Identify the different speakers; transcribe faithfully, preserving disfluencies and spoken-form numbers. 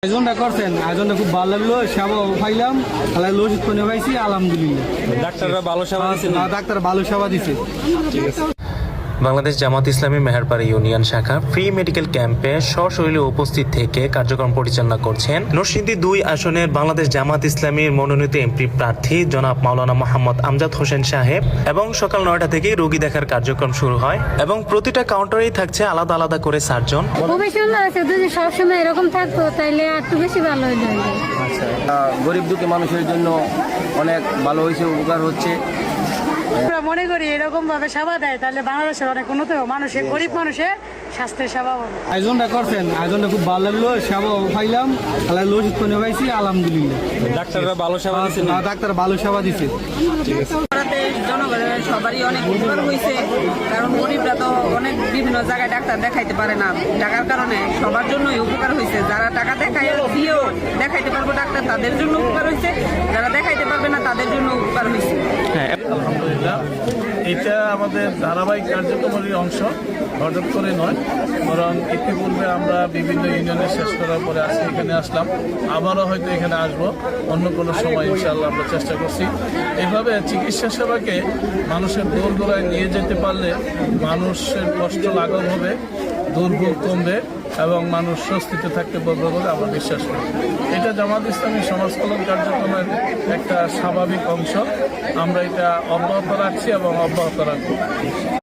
Speaker 1: আয়োজনটা করছেন, আয়োজনটা খুব ভালো লাগলো, সেবা পাইলাম, ওষুধ কিনে পাইছি, আলহামদুলিল্লাহ।
Speaker 2: ডাক্তাররা ভালো সেবা দিচ্ছে,
Speaker 1: ডাক্তার ভালো সেবা দিচ্ছে।
Speaker 3: বাংলাদেশ জামাত ইসলামী মেহেরপাড়া ইউনিয়ন শাখা ফ্রি মেডিকেল ক্যাম্পে সশরীরে উপস্থিত থেকে কার্যক্রম পরিচালনা করছেন নরসিংদী দুই আসনের বাংলাদেশ জামাত ইসলামীর মনোনীত এমপি প্রার্থী জনাব মাওলানা মোহাম্মদ আমজাদ হোসেন সাহেব। এবং সকাল নয়টা থেকে রোগী দেখার কার্যক্রম শুরু হয় এবং প্রতিটা কাউন্টারেই থাকছে আলাদা আলাদা করে সার্জন।
Speaker 4: খুবই সুন্দর আছে, যদি সবসময় এরকম থাকতো তাহলে একটু বেশি ভালো হয়ে যাবে।
Speaker 1: গরিব দুঃখী মানুষের জন্য অনেক ভালো হয়েছে, উপকার হচ্ছে।
Speaker 5: আমরা মনে করি এরকম ভাবে সেবা দেয় তাহলে বাংলাদেশের অনেক উন্নত হবে, মানুষের গরিব মানুষের স্বাস্থ্যের সেবা হবে।
Speaker 1: আয়োজনটা করছেন, আয়োজনটা খুব ভালো লাগলো, সেবা পাইলাম, ওষুধ কিনে পাইছি, আলহামদুলিল্লাহ।
Speaker 2: ডাক্তাররা ভালো সেবা দিচ্ছে,
Speaker 1: ডাক্তার ভালো সেবা দিচ্ছে।
Speaker 6: জনগণের সবারই অনেক উপকার হয়েছে, কারণ গরিবরা তো অনেক বিভিন্ন জায়গায় ডাক্তার দেখাইতে পারে না, টাকার কারণে সবার জন্যই উপকার হয়েছে। যারা টাকা দেখায় দিয়েও দেখাইতে পারবো ডাক্তার, তাদের জন্য উপকার হয়েছে, যারা দেখাইতে পারবে না তাদের জন্য উপকার হয়েছে।
Speaker 7: আলহামদুলিল্লাহ, এটা আমাদের ধারাবাহিক কার্যক্রমের অংশ, হঠাৎ করে নয়, বরং ইতিপূর্বে আমরা বিভিন্ন ইউনিয়নে শেষ করার পরে আজকে এখানে আসলাম, আবারও হয়তো এখানে আসব অন্য কোনো সময় ইনশাআল্লাহ আমরা চেষ্টা করছি। এভাবে চিকিৎসা সেবাকে মানুষের দোর গোড়ায় নিয়ে যেতে পারলে মানুষের কষ্ট লাঘব হবে, দুর্ভোগ কমবে এবং মানুষ স্বস্তিতে থাকতে পারবে বলে আমরা বিশ্বাস করি। এটা জামাত ইসলামী সমাজ কল্যাণ কার্যক্রমের একটা স্বাভাবিক অংশ, আমরা এটা অব্যাহত রাখছি এবং অব্যাহত রাখবো।